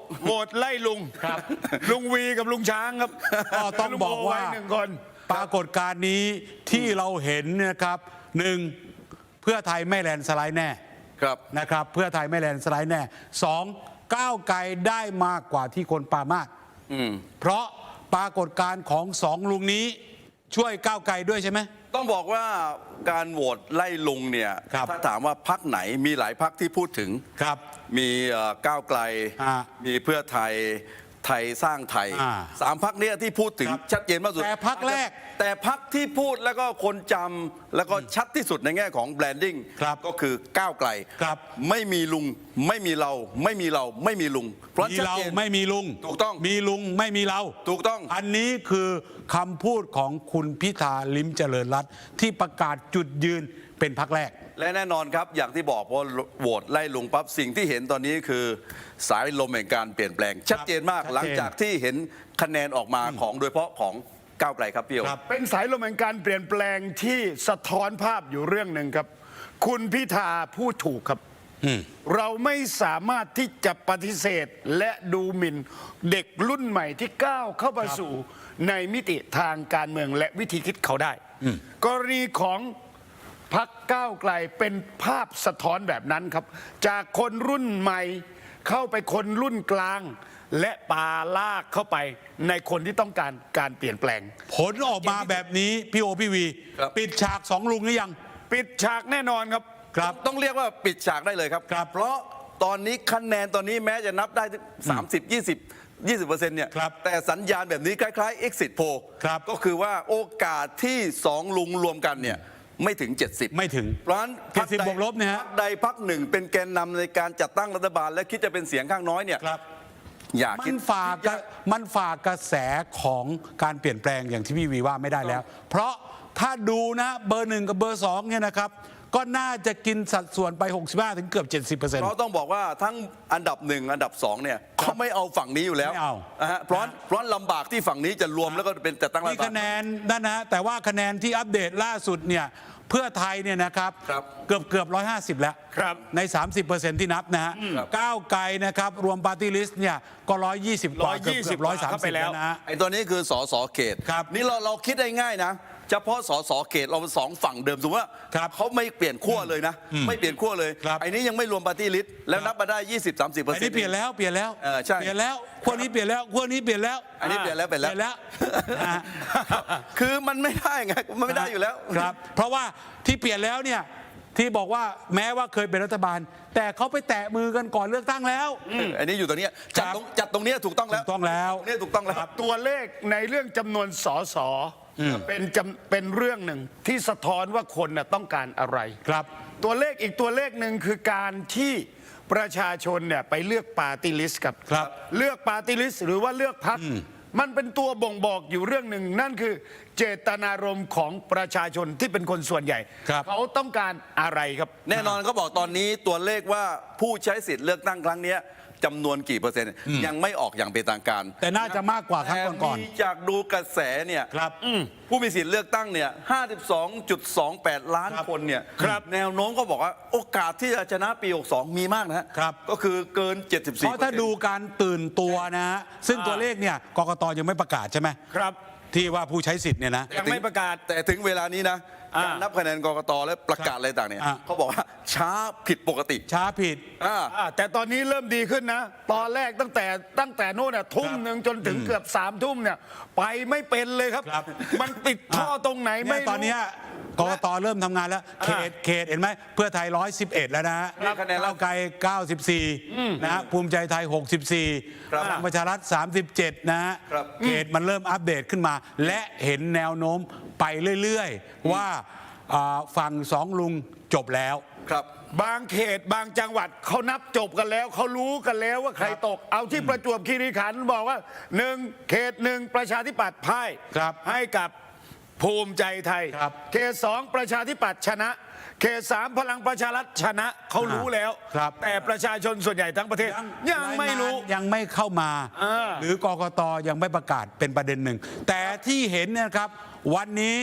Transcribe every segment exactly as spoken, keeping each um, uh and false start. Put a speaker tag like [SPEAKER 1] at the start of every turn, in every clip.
[SPEAKER 1] โหวตไล่ลุงครับลุงวีกับลุงช้างครับ
[SPEAKER 2] ก็ต้องบอกว่า
[SPEAKER 1] หนึ่งคน
[SPEAKER 2] ปรากฏการณ์นี้ที่เราเห็นนะครับหนึ่งเพื่อไทยไม่แลนด์สไลด์แน่
[SPEAKER 3] ครับ
[SPEAKER 2] นะครับเพื่อไทยไม่แลนด์สไลด์แน่สองก้าวไกลได้มากกว่าที่คนปรามาสเพราะปรากฏการณ์ของสองลุงนี้ช่วยก้าวไกลด้วยใช่ไหม
[SPEAKER 3] ต้องบอกว่าการโหวตไล่ลุงเนี่ยถ้าถามว่าพรรคไหนมีหลายพรรคที่พูดถึง
[SPEAKER 2] ครับ
[SPEAKER 3] มีก้าวไกลมีเพื่อไทยไทยสร้างไทยสามพรรคนี้ที่พูดถึงชัดเจนมากสุด
[SPEAKER 2] แต่พรรคแรก
[SPEAKER 3] แต่พรรคที่พูดแล้วก็คนจำแล้วก็ชัดที่สุดในแง่ของแบรนดิ้งก็คือก้าวไกลไม่มีลุงไม่มีเราไม่มีเราไม่มีลุง
[SPEAKER 2] เพราะเราไม่มีลุง
[SPEAKER 3] ถูกต้อง
[SPEAKER 2] มีลุงไม่มีเรา
[SPEAKER 3] ถูกต้อง
[SPEAKER 2] อันนี้คือคำพูดของคุณพิธาลิ้มเจริญรัตน์ที่ประกาศจุดยืนเป็นพรรคแรก
[SPEAKER 3] และแน่นอนครับอย่างที่บอกพอโหวตไล่ลุงปั๊บสิ่งที่เห็นตอนนี้คือสายลมแห่งการเปลี่ยนแปลงชัดเจนมากหลังจากที่เห็นคะแนนออกมาของโดยเฉพาะของก้าวไกลครับพี่โอ
[SPEAKER 1] เป็นสายลมแห่งการเปลี่ยนแปลงที่สะท้อนภาพอยู่เรื่องหนึ่งครับคุณพิธาพูดถูกครับเราไม่สามารถที่จะปฏิเสธและดูหมิ่นเด็กรุ่นใหม่ที่ก้าวเข้ามาสู่ในมิติทางการเมืองและวิธีคิดเขาได้กรณีของพรรคก้าวไกลเป็นภาพสะท้อนแบบนั้นครับจากคนรุ่นใหม่เข้าไปคนรุ่นกลางและปาลากเข้าไปในคนที่ต้องการการเปลี่ยนแปลง
[SPEAKER 2] ผลออกมาแบบนี้พี่โอพี่วีปิดฉากสองลุงหรือยัง
[SPEAKER 1] ปิดฉากแน่นอนครับ
[SPEAKER 3] ครับต้องเรียกว่าปิดฉากได้เลยครับเพราะตอนนี้คะแนนตอนนี้แม้จะนับได้สามสิบ ยี่สิบ ยี่สิบเปอร์เซ็นต์เนี่ยแต่สัญญาณแบบนี้คล้ายๆ exit poll ก็คือว่าโอกาสที่สองลุงรวมกันเนี่ยไม่ถึงเจ็ดสิบ
[SPEAKER 2] ไม่ถึง
[SPEAKER 3] เพราะฉะนั้น
[SPEAKER 2] พรรคใดบวกลบเนี่ยฮะ
[SPEAKER 3] พรรคใดพรรคหนึ่งเป็นแกนนำในการจัดตั้งรัฐบาลและคิดจะเป็นเสียงข้างน้อยเนี่ย
[SPEAKER 2] อย่าคิดมันฝากมันฝากกระแสของการเปลี่ยนแปลงอย่างที่พี่วีว่าไม่ได้แล้ว เพราะถ้าดูนะเบอร์หนึ่งกับเบอร์สองเนี่ยนะครับก็น่าจะกินสัดส่วนไป หกสิบห้า ถึงเกือบ เจ็ดสิบเปอร์เซ็นต์
[SPEAKER 3] เราต้องบอกว่าทั้งอันดับหนึ่งอันดับสองเนี่ยเขาไม่เอาฝั่งนี้อยู่แล้ว
[SPEAKER 2] ไม่เอา
[SPEAKER 3] เพราะเพราะลำบากที่ฝั่งนี้จะรวมแล้วก็เป็นจัดตั้งรัฐบาล
[SPEAKER 2] นี่คะแนนนั่นนะแต่ว่าคะแนนที่อัปเดตล่าสุดเนี่ยเพื่อไทยเนี่ยนะครับเกือบเกือบร้อยห้าสิบแล้วใน สามสิบเปอร์เซ็นต์ ที่นับนะฮะก้าวไกลนะครับรวมปาร์ตี้ลิสต์เนี่ยก็ร้อยยี่สิบกว่าเกือบร้อยสามสิบแล้วนะ
[SPEAKER 3] ไอ้ตัวนี้คือสสเขตนี่เราเราคิดได้ง่ายนะเฉพาะสสเขตเราสองฝั่งเดิมสมมติว่าเขาไม่เปลี่ยนขั้วเลยนะไม่เปลี่ยนขั้วเลยไอ้นี้ยังไม่รวมปาร์ตี้ลิสต์แล้วนับมาได้ ยี่สิบ สามสิบเปอร์เซ็นต์
[SPEAKER 2] อันนี้เปลี่ยนแล้วเปลี่ยนแล้ว
[SPEAKER 3] ใช่
[SPEAKER 2] เปลี่ยนแล้วขั้วนี้เปลี่ยนแล้วขั้วนี้เปลี่ยนแล้ว
[SPEAKER 3] อันนี้เปลี่ยนแล้วเปลี่ยนแล้วคือมันไม่ได้ไงมันไม่ได้อยู่แล้ว
[SPEAKER 2] ครับเพราะว่าที่เปลี่ยนแล้วเนี่ยที่บอกว่าแม้ว่าเคยเป็นรัฐบาลแต่เขาไปแตะมือกันก่อนเลือกตั้งแล้ว
[SPEAKER 3] อันนี้อยู่ตรงนี้จัดตรงจัดตรงนี้ถูกต้องแล้ว
[SPEAKER 2] ถูกต้องแล้ว
[SPEAKER 3] นี่ถูกต้องแล้ว
[SPEAKER 1] ตัวเลขในเรื่องจำนวนสสเป็นเป็นเรื่องหนึ่งที่สะท้อนว่าคนน่ะต้องการอะไร
[SPEAKER 2] ครับ
[SPEAKER 1] ตัวเลขอีกตัวเลขหนึ่งคือการที่ประชาชนเนี่ยไปเลือกปาร์ตี้ลิสต์ครับเลือกปาร์ตี้ลิสต์หรือว่าเลือกพรรคมันเป็นตัวบ่งบอกอยู่เรื่องหนึ่งนั่นคือเจตนารมณ์ของประชาชนที่เป็นคนส่วนใหญ่เขาต้องการอะไรครับ
[SPEAKER 3] แน่นอนเขาบอกตอนนี้ตัวเลขว่าผู้ใช้สิทธิ์เลือกตั้งครั้งนี้จำนวนกี่เปอร์เซ็นต์ยังไม่ออกอย่างเป็นทางการ
[SPEAKER 2] แต่น่าจะมากกว่าครั้งก่อน
[SPEAKER 3] ๆจากดูกระแสเนี่ยผู้มีสิทธิ์เลือกตั้งเนี่ย ห้าสิบสองจุดสองแปด ล้านคนเนี่ยแนวโน้มก็บอกว่าโอกาสที่จะชนะปีหกสิบสองมีมากนะครับก็คือเกินเจ็ดสิบสี่
[SPEAKER 2] เพราะถ้าดูการตื่นตัวนะฮะซึ่งตัวเลขเนี่ยกกต.ยังไม่ประกาศใช่ไหม
[SPEAKER 1] ครับ
[SPEAKER 2] ที่ว่าผู้ใช้สิทธิ์เนี่ยนะ
[SPEAKER 1] ยังไม่ประกาศ
[SPEAKER 3] แต่ถึงเวลานี้นะการนับคะแนนกกต.และประกาศอะไรต่างเนี่ยเขาบอกว่าช้าผิดปกติ
[SPEAKER 2] ช้าผิด
[SPEAKER 1] แต่ตอนนี้เริ่มดีขึ้นนะตอนแรกตั้งแต่ตั้งแต่โน่นน่ะทุ่มหนึ่งจนถึงเกือบสามทุ่มเนี่ยไปไม่เป็นเลยครับมันติดท่อตรงไหนไม่รู้
[SPEAKER 2] ตอนนี้กกต.เริ่มทำงานแล้วเขตเขตเห็นไหมเพื่อไทยร้อยสิบเอ็ดแล้วนะฮะก้าวไกลเก้าสิบสี่นะฮะภูมิใจไทยหกสิบสี่พลังประชารัฐสามสิบเจ็ดนะฮะเขตมันเริ่มอัปเดตขึ้นมาและเห็นแนวโน้มไปเรื่อยๆว่าฝั่งสองลุงจบแล้ว
[SPEAKER 3] ครับ
[SPEAKER 1] บางเขตบางจังหวัดเขานับจบกันแล้วเขารู้กันแล้วว่าใครตกเอาที่ประจวบคีรีขันธ์บอกว่าหนึ่งเขตหนึ่งประชาธิปัตย์พ่ายให้กับภูมิใจไทยเขตสองประชาธิปัตย์ชนะเขตสามพลังประชารัฐชนะเขารู้แล้วแต่ประชาชนส่วนใหญ่ทั้งประเทศยังไม่รู้
[SPEAKER 2] ยังไม่เข้ามาหรือกกต.ยังไม่ประกาศเป็นประเด็นหนึ่งแต่ที่เห็นเนี่ยครับวันนี้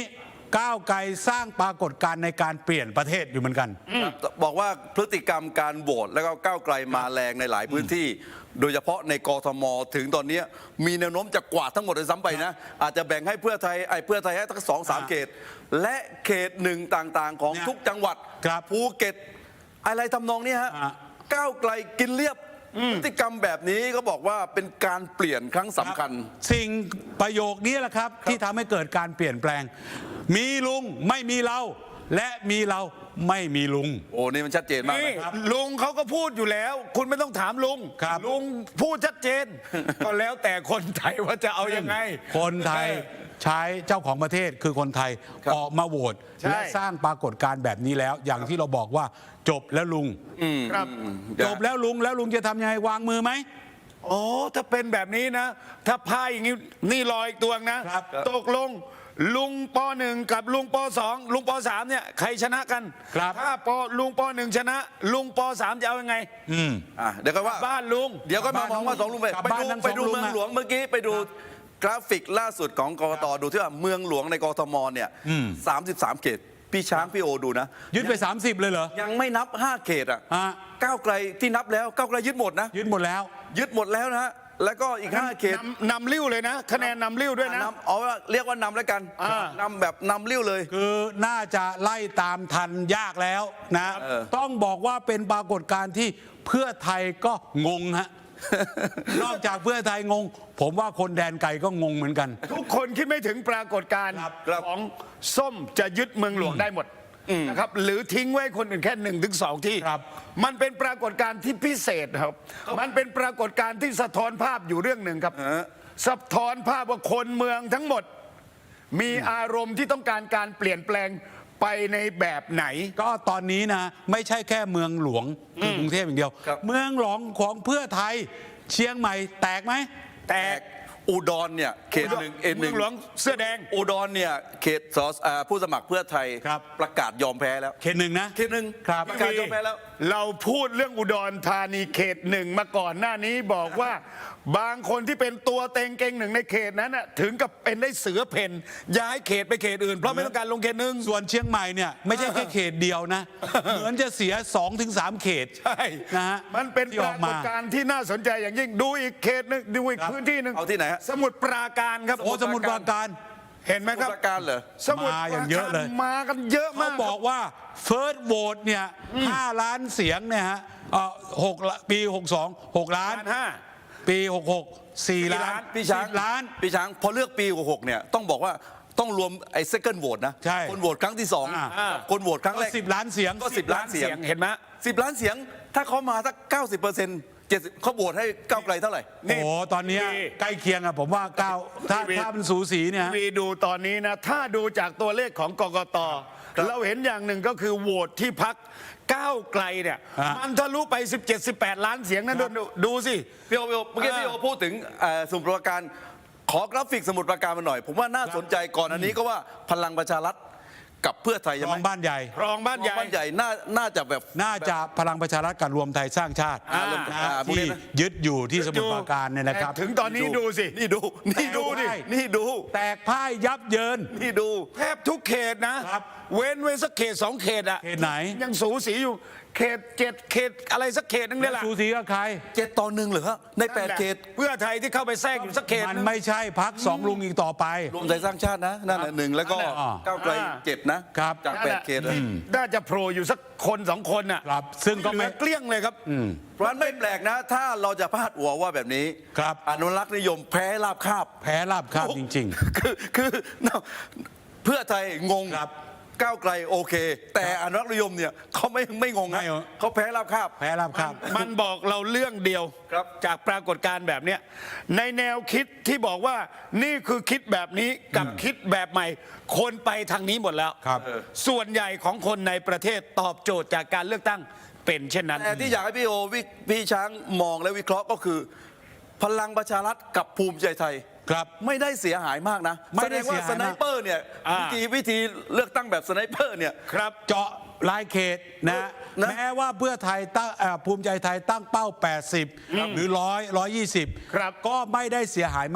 [SPEAKER 2] ก้าวไกลสร้างปรากฏการณ์ในการเปลี่ยนประเทศอยู่เหมือนกัน
[SPEAKER 3] บอกว่าพฤติกรรมการโหวตแล้วก็ก้าวไกลมาแรงในหลายพื้นที่ โดยเฉพาะในกทมถึงตอนนี้มีแนวโน้มจะกวาดทั้งหมดเลยซ้ำไปนะ อาจจะแบ่งให้เพื่อไทยไอ้เพื่อไทยให้ทั้งสองสามเขต และเขตหนึ่งต่างๆ ของ
[SPEAKER 2] เนี่ย
[SPEAKER 3] ทุกจังหวัด
[SPEAKER 2] ครับ
[SPEAKER 3] ภูเก็ตอะไรทำนองนี้ฮะ
[SPEAKER 2] อ่ะ
[SPEAKER 3] ก้าวไกลกินเรียบพฤติกรรมแบบนี้ก็บอกว่าเป็นการเปลี่ยนครั้งสำคัญ
[SPEAKER 2] สิ่งประโยคนี้แหละครับที่ทำให้เกิดการเปลี่ยนแปลง มีลุงไม่มีเรา และมีเราไม่มีลุง
[SPEAKER 3] โอ้นี่มันชัดเจนมาก
[SPEAKER 1] นี่
[SPEAKER 3] นะครับ
[SPEAKER 1] ลุงเขาก็พูดอยู่แล้ว คุณไม่ต้องถามลุง
[SPEAKER 2] ครับ
[SPEAKER 1] ลุงพูดชัดเจน ก็แล้วแต่คนไทยว่าจะเอายังไง
[SPEAKER 2] คนไทยใช้เจ้าของประเทศคือคนไทย
[SPEAKER 3] ครับ
[SPEAKER 2] ออกมาโหวต
[SPEAKER 1] ใช่
[SPEAKER 2] และสร้างปรากฏการณ์แบบนี้แล้ว อย่างที่เราบอกว่าจบแล้วลุง
[SPEAKER 1] ครับ
[SPEAKER 2] จบแล้วลุงแล้วลุงจะทำยังไงวางมือไหม
[SPEAKER 1] โอ้ถ้าเป็นแบบนี้นะ ถ้าพายอย่างนี้นี่รออีกตัวนะครับ ตกลงลุงปหนึ่งกับลุงปสองลุงปสามเนี่ยใครชนะกัน
[SPEAKER 2] ครับ
[SPEAKER 1] ถ้าปลุงปหนึ่งชนะ ลุงปสามจะเอายังไง
[SPEAKER 2] อืม
[SPEAKER 3] อ่ะเดี๋ยวก็ว่า
[SPEAKER 1] บ้านลุง
[SPEAKER 3] เดี๋ยวก็มามองว่าสองลุงไป
[SPEAKER 2] กลับ
[SPEAKER 3] ไป
[SPEAKER 2] บ้าน
[SPEAKER 3] ดู
[SPEAKER 2] ทั้ง
[SPEAKER 3] ไปดู
[SPEAKER 2] สองลุง
[SPEAKER 3] เมือง
[SPEAKER 2] อะ
[SPEAKER 3] หลวงเมื่อกี้ไปดูกราฟิกล่าสุดของกกตดูที่ว่าเมืองหลวงในกทมเนี่ยสามสิบสามเขตพี่ช้างพี่โอดูนะ
[SPEAKER 2] ยึดไป สามสิบ เลยเหรอ
[SPEAKER 3] ยังไม่นับห้าเขตอ่ะ
[SPEAKER 2] ฮะ
[SPEAKER 3] ก้าวไกลที่นับแล้วก้าวไกลยึดหมดนะ
[SPEAKER 2] ยึดหมดแล้ว
[SPEAKER 3] ยึดหมดแล้วนะฮะแล้วก็อีกห้าเขต
[SPEAKER 1] นำนำริ้วเลยนะ คะแนนนำริ้วด้วยนะ
[SPEAKER 3] นำเอาว่าเรียกว่านำแล้วกัน
[SPEAKER 1] อ่าน
[SPEAKER 3] ำแบบนำเลี้ยวเลย
[SPEAKER 2] คือน่าจะไล่ตามทันยากแล้วนะ
[SPEAKER 3] เออ
[SPEAKER 2] ต้องบอกว่าเป็นปรากฏการณ์ที่เพื่อไทยก็งงฮะ นอกจากเพื่อไทยงง ผมว่าคนแดนไกลก็งงเหมือนกัน
[SPEAKER 1] ทุกคนคิดไม่ถึงปรากฏการณ์
[SPEAKER 2] ครับ
[SPEAKER 1] ของส้มจะยึดเมืองหลวงได้หมดนะครับหรือทิ้งไว้คนอื่นแค่หนึ่งถึงสองที่
[SPEAKER 2] ครับ
[SPEAKER 1] มันเป็นปรากฏการณ์ที่พิเศษครับ มันเป็นปรากฏการณ์ที่สะท้อนภาพอยู่เรื่องหนึ่งครับ สะท้อนภาพว่าคนเมืองทั้งหมด มีอารมณ์ที่ต้องการการเปลี่ยนแปลงไปในแบบไหน
[SPEAKER 2] ก็ตอนนี้นะไม่ใช่แค่เมืองหลวงคือกรุงเทพอย่างเดียว
[SPEAKER 3] ครับ
[SPEAKER 2] เมืองหลวงของเพื่อไทยเชียงใหม่แตกไหม
[SPEAKER 1] แต
[SPEAKER 3] แต
[SPEAKER 1] ก
[SPEAKER 3] กอุดรเนี่ยเขตหนึ่งเอ็นห
[SPEAKER 1] เมื
[SPEAKER 3] นึ่
[SPEAKER 1] อง งหลวงเสื้อแดง
[SPEAKER 3] อุดรเนี่ยเขตสสอ่าผู้สมัครเพื่อไทย
[SPEAKER 2] ครับ
[SPEAKER 3] ประกาศยอมแพ้แล้ว
[SPEAKER 2] เขตหนึ่งนะ
[SPEAKER 3] เขตหนึ่ง
[SPEAKER 2] ครับ
[SPEAKER 3] ประกาศยอมแพ้แล้ว
[SPEAKER 1] เราพูดเรื่องอุดรธานีเขตหนึ่งมาก่อนหน้านี้บอกว่า บางคนที่เป็นตัวเต็งเก่งหนึ่งในเขตนั้นน่ะถึงกับเป็นได้เสือเพ่นย้ายเขตไปเขตอื่นเพราะไม่ต้องการลงเขตหนึ่ง
[SPEAKER 2] ส่วนเชียงใหม่เนี่ยไม่ใช่แค่เขตเดียวนะ เหมือนจะเสียสองถึงสามเขต
[SPEAKER 1] ใช่
[SPEAKER 2] นะฮะ
[SPEAKER 1] มันเป็น
[SPEAKER 2] ที่
[SPEAKER 1] ป
[SPEAKER 2] อ
[SPEAKER 1] รา
[SPEAKER 2] อก
[SPEAKER 1] ก
[SPEAKER 2] มา
[SPEAKER 1] ฏการณ์ที่น่าสนใจอย่างยิ่งดูอีกเขตหนึ่งดูอีก
[SPEAKER 2] ครับ
[SPEAKER 1] พื้นที่หนึ่ง
[SPEAKER 3] เอาที่ไหนฮะ
[SPEAKER 1] สมุทรปราการครับ
[SPEAKER 2] โอ้สมุทรปราการ
[SPEAKER 1] เห็นไหมครับ
[SPEAKER 3] สมุทรปราการเหรอ
[SPEAKER 1] สมุทร
[SPEAKER 2] มาอย่างเยอะเลย
[SPEAKER 1] มากันเยอะ
[SPEAKER 2] เขา
[SPEAKER 1] มาก
[SPEAKER 2] บอกว่าเฟิร์สโหวตเนี่ยห้าล้านเสียงเนี่ยฮะเอ่อหกละปีหกสองหกล้าน
[SPEAKER 1] ล้านห้า
[SPEAKER 2] ปีหกหกสี่ล้าน
[SPEAKER 3] พี่ช้าง
[SPEAKER 2] สิบล้าน
[SPEAKER 3] พี่ช้างพอเลือกปีหกเนี่ยต้องบอกว่าต้องรวมไอ้ second vote นะ
[SPEAKER 2] ใช่
[SPEAKER 3] คนโหวตครั้งที่สอง
[SPEAKER 2] อ่า
[SPEAKER 3] คนโหวตครั้งแรก
[SPEAKER 2] ก็สิบล้านเสียง
[SPEAKER 3] ก็สิบล้านเสียง
[SPEAKER 1] เห็นไหม
[SPEAKER 3] สิบล้านเสียง ถ้าเขามาสักเก้าสิบเปอร์เซ็นต์เจ็ดเขาโหวตให้ก้าวไกลเท่าไหร่
[SPEAKER 2] โอ้โหตอนเนี้ย
[SPEAKER 1] นี่
[SPEAKER 2] ใกล้เคียงอะผมว่าเก้าถ้า
[SPEAKER 1] นี่
[SPEAKER 2] ถ้ามันสูสีเนี่ย
[SPEAKER 1] วีดูตอนนี้นะ ถ้าดูจากตัวเลขของกกต
[SPEAKER 3] ครับ
[SPEAKER 1] เราเห็นอย่างหนึ่งก็คือโหวตที่พักก้าวไกลเนี่ย
[SPEAKER 2] ฮะ
[SPEAKER 1] มันทะลุไป สิบเจ็ด สิบแปด ล้านเสียงนั่นดูดูสิ
[SPEAKER 3] พี่โอพี่โอเมื่อกี้
[SPEAKER 1] อ่า
[SPEAKER 3] พี่โอพูดถึงเอ่อสมุทรปราการขอกราฟิกสมุทรปราการมาหน่อย ผมว่าน่าสนใจก่อนอันนี้ก็ว่าพลังประชารัฐกับเพื่อไทย
[SPEAKER 2] ร
[SPEAKER 3] ใช่ไห
[SPEAKER 2] อ
[SPEAKER 3] ม
[SPEAKER 2] งบ้านใหญ่
[SPEAKER 1] รองบ้านใหญ่
[SPEAKER 3] บ้านใหญ่น่าน่าจะแบบ
[SPEAKER 2] น่าจะพลังประชารัฐกับรวมไทยสร้างชาติ
[SPEAKER 1] อ่า
[SPEAKER 2] นะฮะ
[SPEAKER 3] อ่าพวกนี้
[SPEAKER 2] ที่
[SPEAKER 3] นะ
[SPEAKER 2] ยึดอยู่ที่สมุทรปราการเนี่ยนะครับ
[SPEAKER 1] ถึงตอนนี้ดูสิ
[SPEAKER 3] นี่ดูนี่ดูดิ
[SPEAKER 2] แตก
[SPEAKER 3] นี่ดู
[SPEAKER 2] แตกพ่ายยับเยิน
[SPEAKER 3] นี่ดู
[SPEAKER 1] แทบทุกเขตนะ
[SPEAKER 2] ครับ
[SPEAKER 1] เว้นไว้สักเขตสองเขตอะ
[SPEAKER 2] เขตไหน
[SPEAKER 1] ยังสูสีอยู่เขตเจ็ดเขตอะไรสักเขตนึงเนี่ยแหละ
[SPEAKER 2] สูสีกับใคร
[SPEAKER 3] เจ็ดต่อหนึ่งเหรอฮะในแปด
[SPEAKER 1] นั่นหละ
[SPEAKER 3] เขต
[SPEAKER 1] เพื่อไทยที่เข้าไปแทรกอยู่สักเขต
[SPEAKER 2] มัน
[SPEAKER 1] นึง
[SPEAKER 2] ไม่ใช่พักสองลุงอีกต่อไป
[SPEAKER 3] รวมไทยสร้างชาตินะนั่นแหละหนึ่งแล้วก็
[SPEAKER 1] นั่นแหละ
[SPEAKER 3] ก้าวไกล
[SPEAKER 1] อ่า
[SPEAKER 3] เจ็ดนะครับ จากแปดเขตอะ
[SPEAKER 1] น่าจะโผล่อยู่สักคนสองคนน่ะ
[SPEAKER 2] ครับซึ่งก็
[SPEAKER 1] เหลื
[SPEAKER 2] ไม่
[SPEAKER 1] อเกลี้ยงเลยครับ
[SPEAKER 3] เพราะฉะนั้นไม่แปลกนะ ถ้าเราจะพาดหัวว่าแบบนี้
[SPEAKER 2] ครับ
[SPEAKER 3] อนุรักษ์นิยมแพ้ราบคาบ
[SPEAKER 2] แพ้ราบคาบจริง
[SPEAKER 3] คือคือเพื่อไทยงง
[SPEAKER 2] ครับ
[SPEAKER 3] ก้าวไกลโอเค แต่อนุรักษ์นิยมเนี่ยเขาไม่ไม่งงนะ
[SPEAKER 2] ไม่เหรอ
[SPEAKER 3] เขาแพ้ราบคาบ
[SPEAKER 2] ๆ แพ้ราบคาบ
[SPEAKER 1] มันบอกเราเรื่องเดียว
[SPEAKER 3] ครับ
[SPEAKER 1] จากปรากฏการณ์แบบเนี้ยในแนวคิดที่บอกว่านี่คือคิดแบบนี้กับคิดแบบใหม่ คนไปทางนี้หมดแล้ว
[SPEAKER 2] ครับ
[SPEAKER 1] ส่วนใหญ่ของคนในประเทศตอบโจทย์จากการเลือกตั้งเป็นเช่นนั้น
[SPEAKER 3] แต่ที่อยากให้พี่โอวิพี่ช้างมองและวิเคราะห์ก็คือ พลังประชารัฐกับภูมิใจไทย
[SPEAKER 2] ครับ
[SPEAKER 3] ไม่ได้เสียหายมากนะ
[SPEAKER 2] ไม่ได้
[SPEAKER 3] แสดงว่า
[SPEAKER 2] เสียหายมาก
[SPEAKER 3] สไนเปอร์เนี่ย
[SPEAKER 1] อ่า
[SPEAKER 3] วิธีวิธีเลือกตั้งแบบสไนเปอร์เนี่ย
[SPEAKER 1] ครับ
[SPEAKER 2] เจาะรายเขตนะ
[SPEAKER 3] นะ
[SPEAKER 2] แม้ว่าเพื่อไทยตั้งเอ่อภูมิใจไทยตั้งเป้า แปดสิบ หรือ หนึ่งร้อย หนึ่งร้อยยี่สิบ
[SPEAKER 1] ครับ
[SPEAKER 2] ก็ไม่ได้เสียหายมาก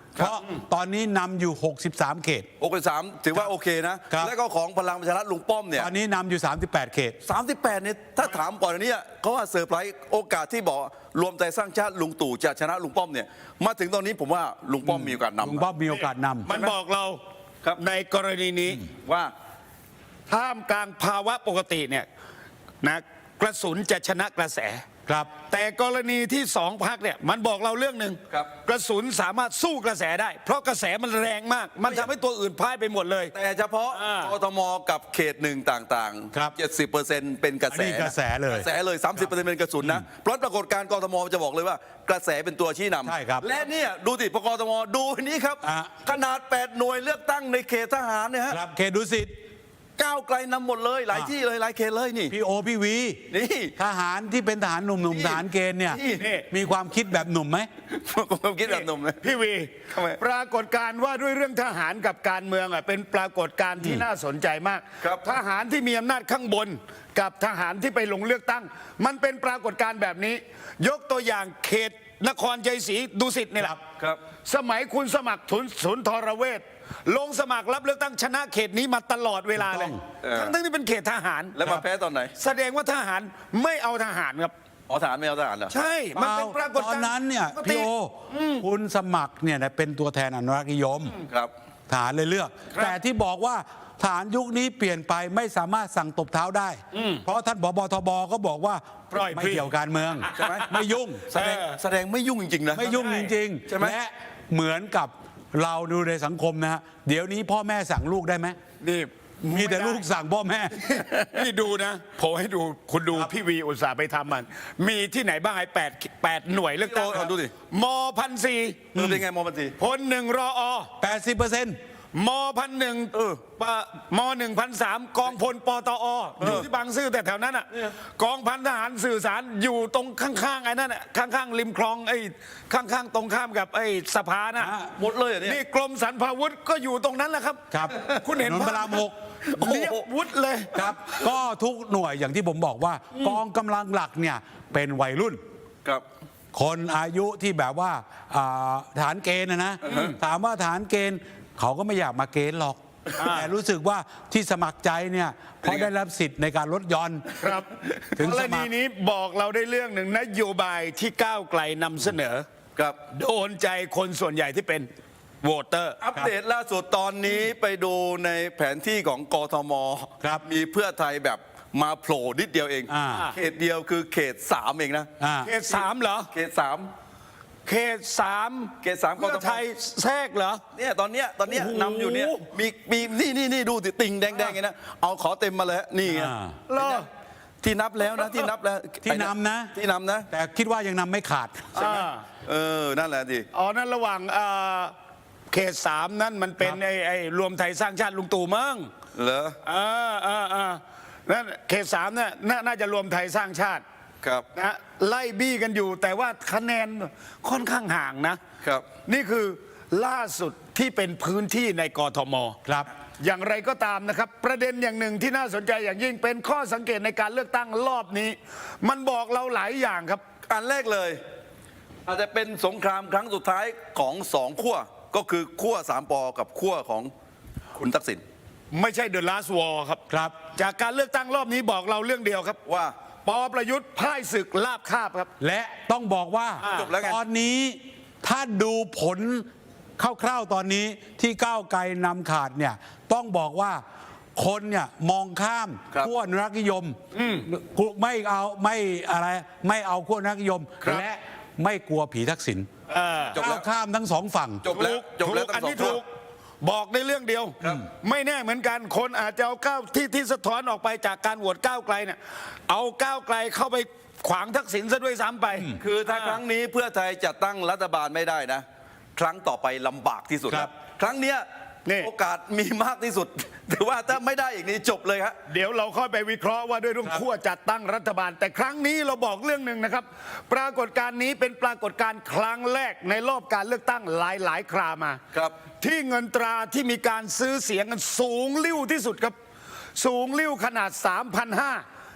[SPEAKER 2] เพราะตอนนี้นำอยู่ หกสิบสาม เขต
[SPEAKER 3] โอเคสามถือว่าโอเคนะ
[SPEAKER 2] ครับ
[SPEAKER 3] แล้วก็ของพลังประชารัฐลุงป้อมเนี่ย
[SPEAKER 2] ตอนนี้นำอยู่ สามสิบแปด เขต
[SPEAKER 3] สามสิบแปดเนี่ยถ้าถามก่อนอันเนี้ยเขาว่าเซอร์ไพรส์โอกาสที่บอกรวมใจสร้างชาติลุงตู่จะชนะลุงป้อมเนี่ยมาถึงตอนนี้ผมว่าลุงป้อมมีโอกาสนำ
[SPEAKER 2] ลุงป้อมมีโอกาสนำ
[SPEAKER 1] มันบอกเรา
[SPEAKER 3] ครับ
[SPEAKER 1] ในกรณีนี้
[SPEAKER 3] ว่า
[SPEAKER 1] ท่ามกลางภาวะปกติเนี่ยนะกระสุนจะชนะกระแส
[SPEAKER 2] ครับ
[SPEAKER 1] แต่กรณีที่สองพักเนี่ยมันบอกเราเรื่องหนึ่ง
[SPEAKER 3] ครับ
[SPEAKER 1] กระสุนสามารถสู้กระแสได้ เพราะกระแสมันแรงมาก มันทำให้ตัวอื่นพ่ายไปหมดเลย
[SPEAKER 3] แต่เฉพาะ
[SPEAKER 1] อ่าก
[SPEAKER 3] ทมกับเขตหนึ่งต่าง
[SPEAKER 2] ครับ
[SPEAKER 3] เจ็ดสิบเปอร์เซ็นต์เป็นกระแส
[SPEAKER 2] อันนี้กระแสเลย
[SPEAKER 3] กระแสเลย สามสิบเปอร์เซ็นต์เป็นกระสุนนะ เพราะปรากฏการณ์กทมจะบอกเลยว่ากระแสเป็นตัวชี้นำ
[SPEAKER 2] ใช่ครับ
[SPEAKER 3] และเนี่ยดูสิพกทมดูอันนี้ครับ
[SPEAKER 2] อ่ะ
[SPEAKER 3] ขนาดแปดหน่วยเลือกตั้งในเขตทหารเนี่ยฮะ
[SPEAKER 2] ครับเขตดุสิต
[SPEAKER 3] ก้าวไกลนำหมดเลยหลาย
[SPEAKER 2] อ่ะ
[SPEAKER 3] ที่เลยหลายเขตเลยนี่
[SPEAKER 2] พี่โอพี่วี
[SPEAKER 3] นี่
[SPEAKER 2] ทหารที่เป็นทหารหนุ่ม
[SPEAKER 3] นี่
[SPEAKER 2] ๆทหารเกณฑ์เนี่ย
[SPEAKER 3] นี่
[SPEAKER 2] มีความคิดแบบหนุ่มไหม
[SPEAKER 3] ผมคิดแบบหนุ่มเลย
[SPEAKER 1] พี่วี
[SPEAKER 3] ทำไม
[SPEAKER 1] ปรากฏการณ์ว่าด้วยเรื่องทหารกับการเมืองอ่ะเป็นปรากฏการณ์ที่น่าสนใจมาก
[SPEAKER 3] ครับ
[SPEAKER 1] ทหารที่มีอำนาจข้างบน กับทหารที่ไปลงเลือกตั้ง มันเป็นปรากฏการณ์แบบนี้ ยกตัวอย่างเขตนครชัยศรีดุสิตนี่แหละ
[SPEAKER 3] ครับ
[SPEAKER 1] สมัยคุณสมัครทุนศูนย์ทรเวชลงสมัครรับเลือกตั้งชนะเขตนี้มาตลอดเวลาเลย
[SPEAKER 3] เออ
[SPEAKER 1] ทั้งๆที่เป็นเขตทหาร
[SPEAKER 3] แล้วมาแพ้ตอนไหน
[SPEAKER 1] แสดงว่าทหารไม่เอาทหารครับ
[SPEAKER 3] อ๋อทหารไม่เอาทหารเหรอ
[SPEAKER 1] ใช่ มันเป็นปรากฏ
[SPEAKER 2] ต
[SPEAKER 1] การณ์
[SPEAKER 2] อนนั้นเนี่ย
[SPEAKER 1] ปกติ
[SPEAKER 2] พี่โออคุณสมัครเนี่ยนะเป็นตัวแทนอนุรักษ์นิยม
[SPEAKER 3] ครับ
[SPEAKER 2] ทหารเลยเลือก
[SPEAKER 1] ครับ
[SPEAKER 2] แต่ที่บอกว่าทหารยุคนี้เปลี่ยนไปไม่สามารถสั่งตบเท้าได้ เพราะท่านผบทบก็บอกว่า
[SPEAKER 1] ปล่อย
[SPEAKER 2] ไม่
[SPEAKER 1] ฟรี
[SPEAKER 2] เกี่ยวการเมือง
[SPEAKER 3] ใช่ไหม
[SPEAKER 2] ไม่ยุ่ง
[SPEAKER 3] แสดงแสดงไม่ยุ่งจริงๆนะ
[SPEAKER 2] ไม่ยุ่งจริง
[SPEAKER 3] ใช่ไหม
[SPEAKER 2] ๆและเหมือนกับเราดูในสังคมนะฮะเดี๋ยวนี้พ่อแม่สั่งลูกได้ไหม
[SPEAKER 1] นี่
[SPEAKER 2] มีแต่ลูกสั่งพ่อแม่
[SPEAKER 1] นี่ดูนะผมให้ดูคุณดูพี่วีอุตส่าห์ไปทำมัน มีที่ไหนบ้างไอ้แปดแปดหน่วยเลือกตั้ง
[SPEAKER 3] โอ้ดูดิ
[SPEAKER 1] มพันสี่
[SPEAKER 3] เออเป็นไงมอบันที
[SPEAKER 1] พลหนึ่งรออ
[SPEAKER 2] แปดสิบเปอร์เซ็นต์
[SPEAKER 1] มพันหนึ่ง
[SPEAKER 3] เออ
[SPEAKER 1] ปะมหนึ่งพันสามกองพลปตออยู่ที่บางซื่อแต่แถวนั้นอ่ะกองพันทหารสื่อสารอยู่ตรงข้างๆไอ้นั่นอ่ะข้างๆริมคลองไอ้ข้างๆตรงข้ามกับไอ้สะพานน่ะ
[SPEAKER 3] หมดเลยเหรอเนี่ย
[SPEAKER 1] นี่กรมสรรพาวุธก็อยู่ตรงนั้นแหละครับ
[SPEAKER 2] ครับ
[SPEAKER 1] คุณเห็น
[SPEAKER 2] ถนนพระรามหก
[SPEAKER 1] เรียบวุฒิเลย
[SPEAKER 2] ครับ ก็ทุกหน่วยอย่างที่ผมบอกว่า กองกำลังหลักเนี่ยเป็นวัยรุ่น
[SPEAKER 3] ครับ
[SPEAKER 2] คนอายุที่แบบว่าอ่าฐานเกณฑ์นะนะถามว่าฐานเกณฑ์เขาก็ไม่อยากมาเกณฑ์หรอก แต่รู้สึกว่าที่สมัครใจเนี่ยเพราะได้รับสิทธิ์ในการลดหย่อน
[SPEAKER 1] ครับ
[SPEAKER 2] ถึง
[SPEAKER 1] ก
[SPEAKER 2] ส
[SPEAKER 1] ร
[SPEAKER 2] มั
[SPEAKER 1] ณี
[SPEAKER 2] คร
[SPEAKER 1] นี้บอกเราได้เรื่องหนึ่งนโยบายที่ก้าวไกลนำเสนอ
[SPEAKER 3] ครับ
[SPEAKER 1] โดนใจคนส่วนใหญ่ที่เป็นโหวตเตอร์
[SPEAKER 3] อัปเดตล่าสุดตอนนี้ไปดูในแผนที่ของกทม
[SPEAKER 2] ครับ
[SPEAKER 3] มีเพื่อไทยแบบมาโผล่นิดเดียวเอง
[SPEAKER 2] อ่า
[SPEAKER 3] เขตเดียวคือเขตสามเองนะ
[SPEAKER 2] อ่า
[SPEAKER 1] เขตสามเหรอ
[SPEAKER 3] เขตสาม
[SPEAKER 1] เขตสาม
[SPEAKER 3] เขตสามก
[SPEAKER 1] เพื่
[SPEAKER 3] ท
[SPEAKER 1] อ
[SPEAKER 3] ม
[SPEAKER 1] ไทยแทรกเหรอ
[SPEAKER 3] เนี่ยตอนเนี้ยตอนเนี้ย
[SPEAKER 1] โอ้โห
[SPEAKER 3] นำอยู่เนี่ยมีมีนี่นี่นี่ดูสิติ่งแดงๆไงนะเอาขอเต็มมาเลยฮะนี่ไง
[SPEAKER 2] อ่า
[SPEAKER 1] เหรอ
[SPEAKER 3] ที่นับแล้วนะที่นับแล้ว
[SPEAKER 2] ที่นำนะ
[SPEAKER 3] ที่นำนะ
[SPEAKER 2] แต่คิดว่ายังนำไม่ขาด
[SPEAKER 1] อ่า
[SPEAKER 3] เออนั่นแหละดิ
[SPEAKER 1] อ๋อนั่นระหว่างเอ่อเขตสามนั่นมันเป็น
[SPEAKER 2] ครับ
[SPEAKER 1] ไอ้ไอ้รวมไทยสร้างชาติลุงตู่มั้ง
[SPEAKER 3] เหรอ
[SPEAKER 1] อ่าอ่าอ่านั่นเขตสามเนี่ยน่าน่าจะรวมไทยสร้างชาติ
[SPEAKER 3] ครับ
[SPEAKER 1] นะไล่บี้กันอยู่แต่ว่าคะแนนค่อนข้างห่างนะ
[SPEAKER 3] ครับ
[SPEAKER 1] นี่คือล่าสุดที่เป็นพื้นที่ในกทม
[SPEAKER 2] ครับ
[SPEAKER 1] อย่างไรก็ตามนะครับ ประเด็นอย่างหนึ่งที่น่าสนใจอย่างยิ่งเป็นข้อสังเกตในการเลือกตั้งรอบนี้ มันบอกเราหลายอย่างครับ
[SPEAKER 3] อันแรกเลย อาจจะเป็นสงครามครั้งสุดท้ายของสองขั้วก็คือขั้วสามปอกับขั้วของคุณทักษิณ
[SPEAKER 1] ไม่ใช่เดอะลาสวอร์ครับ
[SPEAKER 2] ครับ
[SPEAKER 1] จากการเลือกตั้งรอบนี้บอกเราเรื่องเดียวครับ
[SPEAKER 3] ว่า
[SPEAKER 1] ปอประยุทธ์พ่ายศึกลาบคาบครับ
[SPEAKER 2] และต้องบอกว่า
[SPEAKER 1] อ่า
[SPEAKER 3] จบแล้วไง
[SPEAKER 2] ตอนนี้ถ้าดูผลคร่าวๆตอนนี้ที่ก้าวไกลนำขาดเนี่ยต้องบอกว่าคนเนี่ยมองข้าม
[SPEAKER 3] ครับ
[SPEAKER 2] ขั้วอนุรักษ์นิยมไม่เอาไม่อะไรไม่เอาขั้วอนุรักษ์นิยม
[SPEAKER 1] ครับ
[SPEAKER 2] และไม่กลัวผีทักษิณ
[SPEAKER 1] เออ
[SPEAKER 3] จบแล้ว
[SPEAKER 2] ก้าวข้ามทั้งสองฝั่ง
[SPEAKER 3] จบแล้วจบแล้ว
[SPEAKER 1] ถูก
[SPEAKER 3] ทั้
[SPEAKER 1] อัน
[SPEAKER 3] งสอง
[SPEAKER 1] นี้
[SPEAKER 3] ขั้ว
[SPEAKER 1] ถูกบอกในเรื่องเดียว ไม่แน่เหมือนกันคนอาจจะเอาก้าวที่ที่สะท้อนออกไปจากการโหวตก้าวไกลเนี่ยเอาก้าวไกลเข้าไปขวางทักษิณซะด้วยซ้ำไป
[SPEAKER 3] คือถ้าครั้งนี้เพื่อไทยจะตั้งรัฐบาลไม่ได้นะ ครั้งต่อไปลำบากที่สุด
[SPEAKER 2] ครับ
[SPEAKER 3] ครั้งเนี้ย
[SPEAKER 1] นี่
[SPEAKER 3] โอกาสมีมากที่สุด ถือว่าถ้าไม่ได้อีกนี้จบเลยฮะ
[SPEAKER 1] เดี๋ยวเราค่อยไปวิเคราะห์ว่าด้วยเรื่องขั้วจัดตั้งรัฐบาล แต่ครั้งนี้เราบอกเรื่องหนึ่งนะครับ ปรากฏการณ์นี้เป็นปรากฏการณ์ครั้งแรกในรอบการเลือกตั้งหลายหลายๆครามา
[SPEAKER 3] ครับ
[SPEAKER 1] ที่เงินตราที่มีการซื้อเสียงกันสูงลิ่วที่สุดครับ สูงลิ่วขนาด สามพันห้าร้อย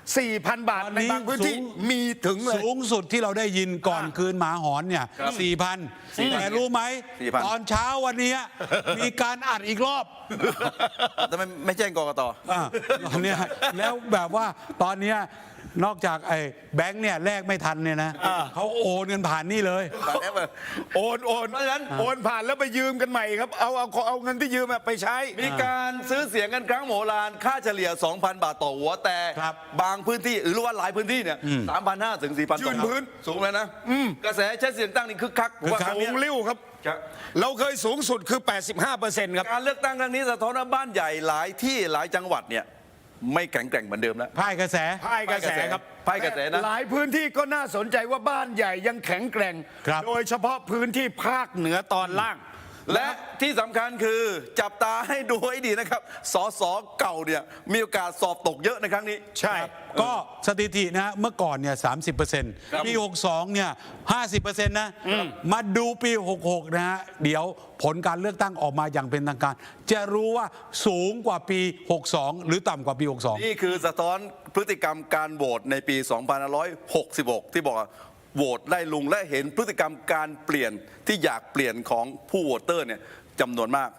[SPEAKER 1] สี่พัน บาท
[SPEAKER 2] ตอน
[SPEAKER 1] ใน
[SPEAKER 2] นี้
[SPEAKER 1] บางพื้นที่
[SPEAKER 2] สูง
[SPEAKER 1] มีถึงเลย
[SPEAKER 2] สูงสุดที่เราได้ยินก่อน
[SPEAKER 1] อ่า
[SPEAKER 2] คืนหมาหอนเนี่ยสี่พันแต่รู้ไหม
[SPEAKER 3] สี่พัน
[SPEAKER 2] ตอนเช้าวันนี้มีการอัดอีกรอบ
[SPEAKER 3] ทำไมไม่แจ้งกกต
[SPEAKER 2] อ่าตอนเนี้ยแล้วแบบว่าตอนเนี้ยนอกจากไอ้แบงค์เนี่ยแลกไม่ทันเนี่ยนะเขาโอนเงินผ่านนี่เลย
[SPEAKER 3] ผ่านแอปอะ
[SPEAKER 1] โอนโอน
[SPEAKER 3] เพราะฉะนั้น
[SPEAKER 1] โอนผ่านแล้วไปยืมกันใหม่ครับเอาเอาเอาเงินที่ยืมอะไปใช้
[SPEAKER 3] มีการซื้อเสียงกันครั้งโหฬารค่าเฉลี่ย สองพัน บาทต่อหัว แต่
[SPEAKER 2] ครับ
[SPEAKER 3] บางพื้นที่หรือว่าหลายพื้นที่เนี่ย สามพันห้าถึง สี่พัน
[SPEAKER 1] ยืนพื้น
[SPEAKER 3] สูงแล้วนะกระแสใช้เสียงตั้งนี่คึกคักผมว่าครั้ง
[SPEAKER 1] สู
[SPEAKER 3] เนี้
[SPEAKER 1] ง
[SPEAKER 3] ย
[SPEAKER 1] ริ้วครับ
[SPEAKER 3] ครับ
[SPEAKER 1] เราเคยสูงสุดคือ แปดสิบห้าเปอร์เซ็นต์ ครับ
[SPEAKER 3] การเลือกตั้งครั้งนี้สะท้อนว่าบ้านใหญ่หลายที่หลายจังหวัดเนี่ยไม่แข็งแกร่งเหมือนเดิมแล้ว
[SPEAKER 2] พ่ายกระแส
[SPEAKER 1] พ่ายกระแสครับ
[SPEAKER 3] พ่ายกระแสนะ
[SPEAKER 1] หลายพื้นที่ก็น่าสนใจว่าบ้านใหญ่ยังแข็งแกร่ง
[SPEAKER 2] ครับ
[SPEAKER 1] โดยเฉพาะพื้นที่ภาคเหนือตอนล่าง
[SPEAKER 3] และที่สำคัญคือจับตาให้ดูให้ดีนะครับสสเก่าเนี่ยมีโอกาสสอบตกเยอะในครั้งนี้
[SPEAKER 1] ใช่
[SPEAKER 2] ก็สถิตินะเมื่อก่อนเนี่ยสามสิบเปอร์เซ็นต์
[SPEAKER 3] ครับ
[SPEAKER 2] ปีหกสองเนี่ยห้าสิบเปอร์เซ็นต์นะมาดูปีหกหกนะฮะเดี๋ยวผลการเลือกตั้งออกมาอย่างเป็นทางการ จะรู้ว่าสูงกว่าปีหกสองหรือต่ำกว่าปีหกสอง
[SPEAKER 3] นี่คือสะท้อนพฤติกรรมการโหวตในปี สองพันห้าร้อยหกสิบหก ที่บอกว่าโหวตไล่ลุงและเห็นพฤติกรรมการเปลี่ยนที่อยากเปลี่ยนของผู้โหวตเตอร์เนี่ยจำนวนมาก